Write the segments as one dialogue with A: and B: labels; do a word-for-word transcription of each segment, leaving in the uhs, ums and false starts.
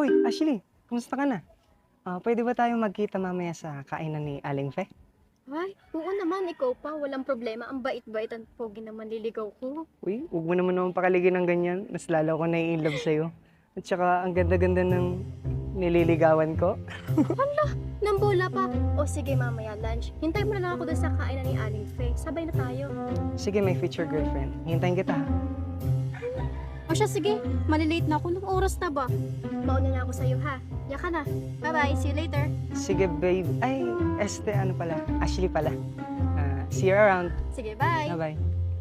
A: Uy, Ashley, kumusta ka na? Ah, pwede ba tayong magkita mamaya sa kainan ni Aling Fe?
B: Ay, oo naman, ikaw pa. Walang problema. Ang bait-bait at pogi na manliligaw ko.
A: Uy, huwag mo naman naman pakaligin ng ganyan. Mas lalo ko nai-inlove sa'yo. At saka, ang ganda-ganda ng nililigawan ko.
B: Nang bola pa. O sige, mamaya lunch. Hintay mo na lang ako doon sa kainan ni Aling Faye. Sabay na tayo.
A: Sige, my future girlfriend. Hintayin kita. ha?
B: O siya, sige. Malilate na ako. Nung oras na ba? Mauna na ako sa'yo, ha? Yaka na. Bye-bye. See you later.
A: Sige, babe. Ay, este, ano pala? Ashley pala. Ah, see you around.
B: Sige, bye.
A: Bye-bye.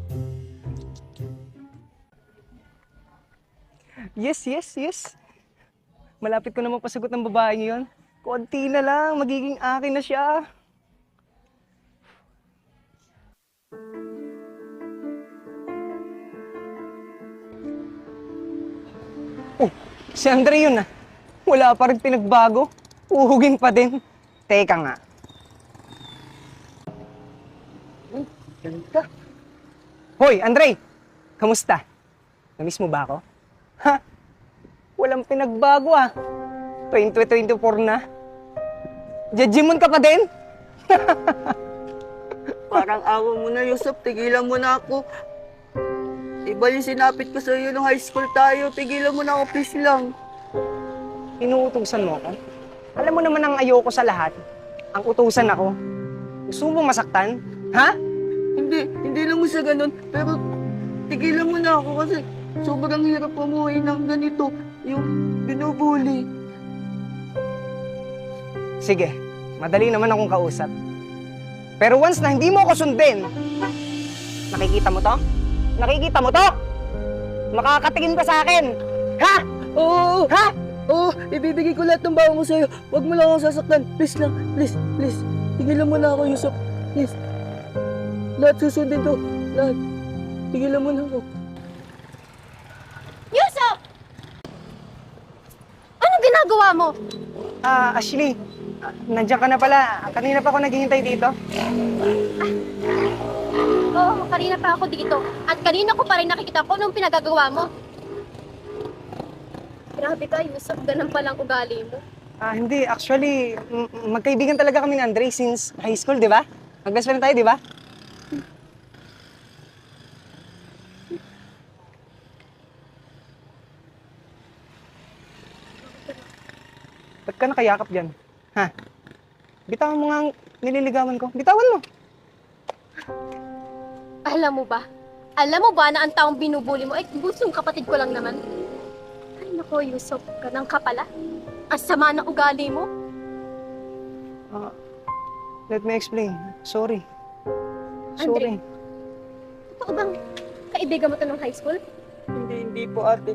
A: Yes, yes, yes. Malapit ko na mapasagot ng babaeng yun. Konti na lang, magiging akin na siya. Oh, si Andre yun ah. Wala pa rin pinagbago. Uhugin pa din. Teka nga. Ay, galing ka. Hoy, Andre! Kamusta? Namiss mo ba ako? Ha? Walang pinagbago ah. twenty twenty-four na. Jejimon ka pa din?
C: Parang awa mo na, Yusuf. Tigilan mo na ako. Iba yung sinapit ko sa'yo nung high school tayo. Tigilan mo na ako, please lang.
A: Inuutusan mo ako? Alam mo naman ang ayoko sa lahat. Ang utusan ako. Gusto mo masaktan? Ha?
C: Hindi, hindi lang mo sa ganun. Pero tigilan mo na ako kasi sobrang hirap umuwi ng ganito. Yung binubuli.
A: Sige, madali naman akong kausap. Pero once na hindi mo ako sundin, nakikita mo to? Nakikita mo to? Makakatingin ka sa akin. Ha?
C: Oo,
A: Ha?
C: oo, ibibigay ko lahat ng bawa mo sa'yo. Huwag mo lang akong sasaktan. Please lang, please, please. Tigilan mo na ako, Yusuf. Please. Lahat susundin to. Lahat. Tigilan mo na ako.
B: Yusuf! Anong ginagawa mo?
A: Ah, Ashley, ah, nandiyan ka na pala. Kanina pa ako naghihintay dito.
B: Oo, kanina pa ako dito. At kanina ko pa rin nakikita ko nung pinagagawa mo. Grabe ka, Yusuf. Ganun palang ugali mo.
A: Ah, hindi. Actually, m- magkaibigan talaga kami ni Andre since high school, di ba? Mag-best friend tayo, di ba? Ba't ka nakayakap dyan? Ha? Bitawan mo nga ang nililigawan ko. Bitawan mo.
B: Alam mo ba? Alam mo ba na ang taong binubuli mo ay gustong kapatid ko lang naman? Ay nako, Yusuf, ganang ka pala. Ang sama ng ugali mo.
A: Ah, let me explain. Sorry.
B: Andre.
A: Sorry.
B: Totoo bang kaibigan mo to nung high school?
C: Hindi, hindi po, ate.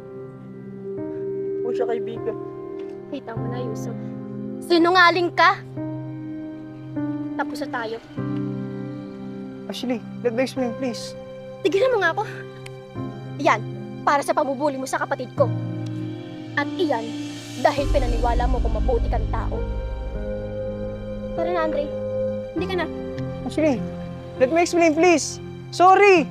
C: Po siya kaibigan.
B: Kita mo na, Yusuf. Sinungaling ka! Tapos na tayo.
A: Ashley, let me explain, please.
B: Tigilan mo nga ako. Iyan, para sa pamubuli mo sa kapatid ko. At iyan, dahil pinaniwala mo kung mabuti kang tao. Tara na, Andre. Hindi ka na.
A: Ashley, let me explain, please. Sorry!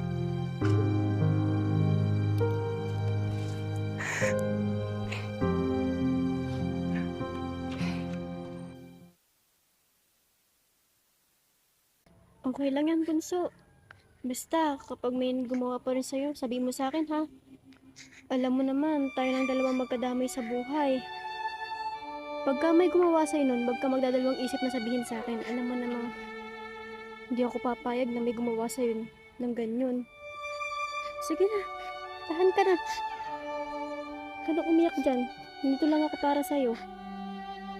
B: Okay lang yan, Bunso. Basta, kapag may gumawa pa rin sa'yo, sabihin mo sa akin, ha? Alam mo naman, tayo ng dalawang magkadamay sa buhay. Pagka may gumawa sa'yo nun, wag ka magdadalawang isip na sabihin sa akin. Alam mo namang, hindi ako papayag na may gumawa sa'yo ng ganyan. Sige na, tahan ka na. Huwag ka na umiyak dyan. Nandito lang ako para sa'yo.